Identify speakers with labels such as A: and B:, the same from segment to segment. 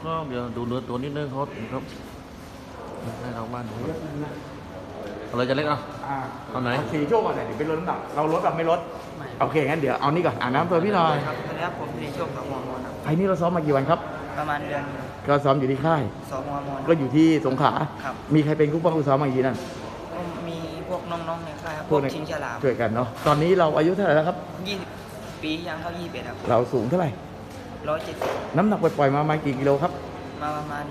A: ก็เดี๋ยวดูเนื้อตัวนิดนึงครับให้เราบ้านดูอะไรจะเล็กเอาไหน
B: สีโชคก่อนเดี๋ยวเป็นลดน้ำหนักเราลดแบบไม่ลด
C: ไม่
B: โอเคงั้นเดี๋ยวเอานี่ก่อนน้ำตัวพี่หน่อย
C: ครับสวัสดีครับผมสีโชคสองหัวมอนครับ
B: ไอ้นี่เราซ้อมมากี่วันครับ
C: ประมาณเดือน
B: ก็ซ้อมอยู่ที่ค่าย
C: สองหัวมอน
B: ก็อยู่ที่สงขลา
C: ครับ
B: มีใครเป็นคู่ป้องคู่ซ้อมบางทีนั่น
C: ก็มีพวกน้องๆในค่ายครับ
B: พ
C: พ
B: ว
C: ว
B: ก
C: ก
B: ใน
C: ชิงฉลาม
B: ช่วยกันเนาะตอนนี้เราอายุเท่าไหร่แล้วครับ
C: 20 ปียังเข้า21ครับ
B: เราสูงเท่าไหร่
C: 170
B: น้ำหนักปล่อยๆมาประมาณกี่กิโลครับ
C: มาประมาณ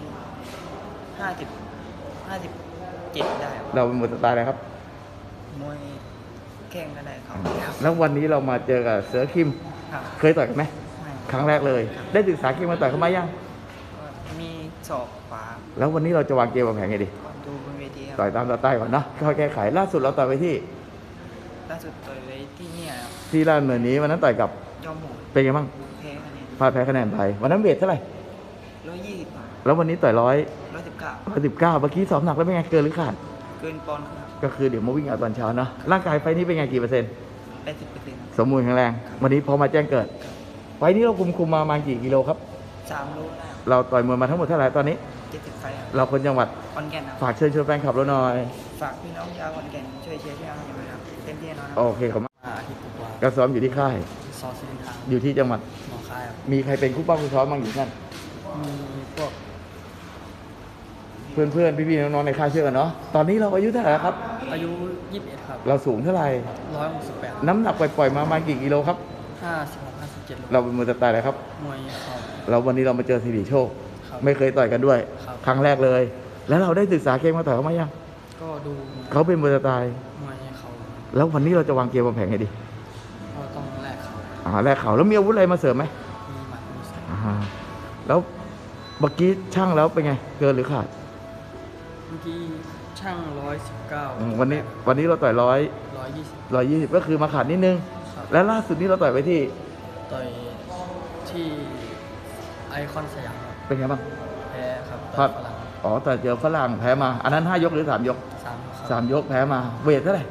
C: 57ได้ครับ
B: เราเป็นมวยสไตล์อะไรครับ
C: มวยแข่งก็ได้ครับ
B: แล้ววันนี้เรามาเจอกับเสือคิม
C: ครับ
B: เคยต่อยกันไหม
C: ไม่
B: ครั้งแรกเลย ได้ศึกษาเกมมาต่อยเขามายัง
C: ก็มีศอกขวา
B: แล้ววันนี้เราจะวางเกมวางแผนไงดี
C: ก่อนดูบนเวทีครับ
B: ต่อยตามสไตล์ก่อนเนาะค่อยแก้ไขล่าสุดเราต่อยไปที่
C: ล่าสุดต่อยไว้ที่เนี่ยครับ
B: ที่ราชดำเนินนี้วันนั้นต่อยกับ
C: ยอมหมู
B: เป็นไงบ้าง
C: แพ้คะแนน
B: พลาดแพ้คะแนนไปวันนั้นเวทเท่าไหร่
C: 120บาท
B: แล้ววันนี้ต่อย119
C: 119
B: เมื่อกี้ซ้อมหนักแล้วเป็นไงเกินหรือขาด
C: เกินปอนด์ครับ
B: ก็คือเดี๋ยวมาวิ่งเอาตอนเช้าเนาะร่างกายไฟนี้เป็นไงกี่เปอร์เซ็นต์
C: 80%
B: สมบูรณ์แข็งแรงวันนี้พอมาแจ้งเกิด ไฟนี้เราคุมมาประมาณกี่กิโลครับ
C: 3โลได้
B: เราต่อยมวยมาทั้งหมดเท่าไหร่ตอนนี้
C: 70ไฟครับ
B: เราคนจังหวัด
C: ขอนแก่นครับ
B: ฝากเชิญชวนแฟนคลับเราหน่อย
C: ฝากพี่น้องชาวขอนแก่นช่วยเชียร์ช่วยเอาใจด้วยครับเต็มที่แน่นอนค
B: โอ
C: รับ
B: เคขอบคุณมาก
C: อาทิตย์กว่า
B: ก็ซ้อมอยู่ที่ค่าย
C: ซอสซิลินทาง
B: อยู่ที่จังหวัด
C: หนองคายครับ
B: มีใครเป็นคู่ป้องคู่ซ้อมบ้างอยู่นั่น
C: มีพวก
B: เพื่อนๆพี่ๆน้องๆในค่ายเชื่อกันเนาะตอนนี้เราอายุเท่าไหร่แล้วครับ
C: อายุ21ครับ
B: เราสูงเท่าไหร่
C: 168
B: น้ำหนักปล่อยๆมาประมาณกี่กิโลครับ
C: 56 57โล
B: เราเป็นมวยสไตล์อะไรครับ
C: มวยเข่า
B: เราวันนี้เรามาเจอสิริโชค
C: ครับ
B: ไม่เคยต่อยกันด้วย
C: ครับ
B: ครั้งแรกเลย แล้วเราได้ศึกษาเกมมาต่อยเขาไหมยัง
C: ก็ดู
B: เขาเป็นมวยสไตล์
C: มวยเข่า
B: แล้ววันนี้เราจะวางเกมวางแผนไงดี
C: ก็ต้องแลกเข่า
B: แรกเขาแล้วมีอาวุธอะไรมาเสริมไหม
C: มีหมัดมีศอก
B: แล้วเมื่อกี้ช่างแล้วเป็นไงเกินหรือขาด
C: เมื่อกี้ช่าง119
B: วันนี้เราต่อย
C: 120
B: 120ก็คือมาขาดนิดนึง
C: ครับ
B: แล้วล่าสุดนี้เราต่อยไปที่
C: ต่อยที่ไอคอนสยามครับ
B: เป็นไงบ้าง
C: แพ้ครับ
B: ครั
C: ต่อบ ยฝรั่ง
B: อ๋อแต่เจอฝรั่งแพ้มา อันนั้น5 ยกหรือ3 ยก
C: 3ครับ
B: 3 ยกแพ้มาเวทเท่าไหร่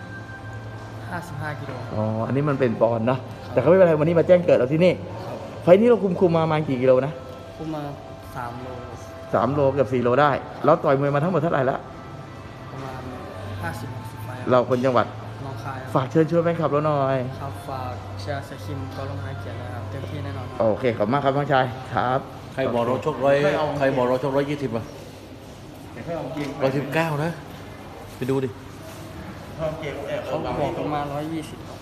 C: 55กิโล
B: อ๋ออันนี้มันเป็นปอนด์เนาะแต่เขาไม่เป็นไรวันนี้มาแจ้งเกิดเราที่นี่
C: ครับ
B: ไฟล์นี้เราคุมมาประมาณกี่กิโลนะ
C: คุมมา3โล
B: 3 โลเกับ4 โลได้เราต่อยมวยมาทั้งหมดเท่าไหร่แล้ว
C: ประมาณ50-60ไฟล์
B: เราคนจังหวัด
C: น้องคาย
B: ฝากเชิญชวนแฟนคลับเราหน่อย
C: ครับฝากเชียร์สคิมก็ลงหายเกียรตินะครับเต็มที่แน่นอนครับ
B: โอเคขอบคุณมากครับน้องชายครับ
A: ใครบอกเราชก120 119นะไปดูดิ
C: เขาบอกประมาณ120